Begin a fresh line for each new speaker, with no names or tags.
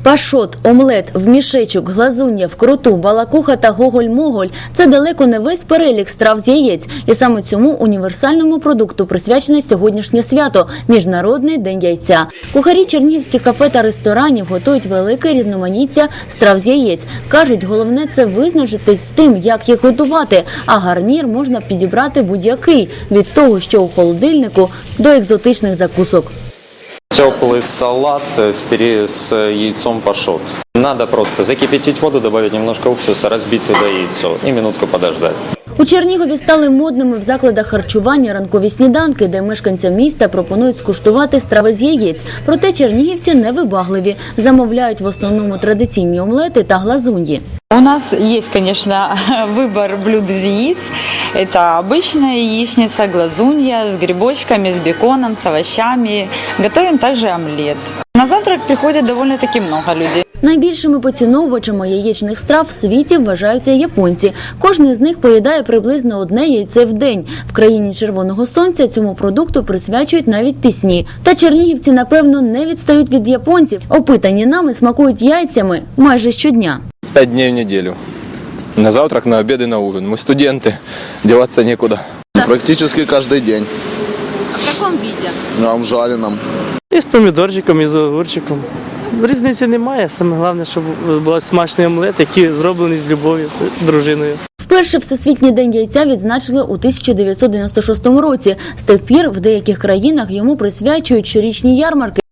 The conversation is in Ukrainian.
Пашот, омлет, в мішечок, глазун'я, вкруту, балакуха та гоголь-моголь – це далеко не весь перелік страв з яєць. І саме цьому універсальному продукту присвячене сьогоднішнє свято – Міжнародний день яйця. Кухарі чернігівських кафе та ресторанів готують велике різноманіття страв з яєць. Кажуть, головне – це визначитись з тим, як їх готувати, а гарнір можна підібрати будь-який – від того, що у холодильнику, до екзотичних закусок.
Теплый салат с яйцом пашот. Надо просто закипятить воду, добавить немножко уксуса, разбить туда яйцо и минутку подождать.
У Чернігові стали модними в закладах харчування ранкові сніданки, де мешканцям міста пропонують скуштувати страви з яєць. Проте чернігівці невибагливі, замовляють в основному традиційні омлети та глазуньї.
У нас есть, конечно, выбор блюд из яиц. Это обычная яичница, глазунья с грибочками, с беконом, с овощами. Готовим также омлет. На завтрак приходит довольно-таки много людей.
Найбільшими поціновувачами яєчних страв в світі вважаються японці. Кожен з них поїдає приблизно одне яйце в день. В країні червоного сонця цьому продукту присвячують навіть пісні. Та чернігівці, напевно, не відстають від японців. Опитані нами смакують яйцями майже щодня.
5 дней в неделю. На завтрак, на обед и на ужин. Мы студенты, деваться некуда.
Практически каждый день.
А в якому виді?
В жареном.
І з помідорчиком, і з огурчиком. Різниці немає. Саме головне, щоб був смачний омлет, який зроблений з любов'ю дружиною.
Вперше Всесвітній день яйця відзначили у 1996 році. З тих пір в деяких країнах йому присвячують щорічні ярмарки.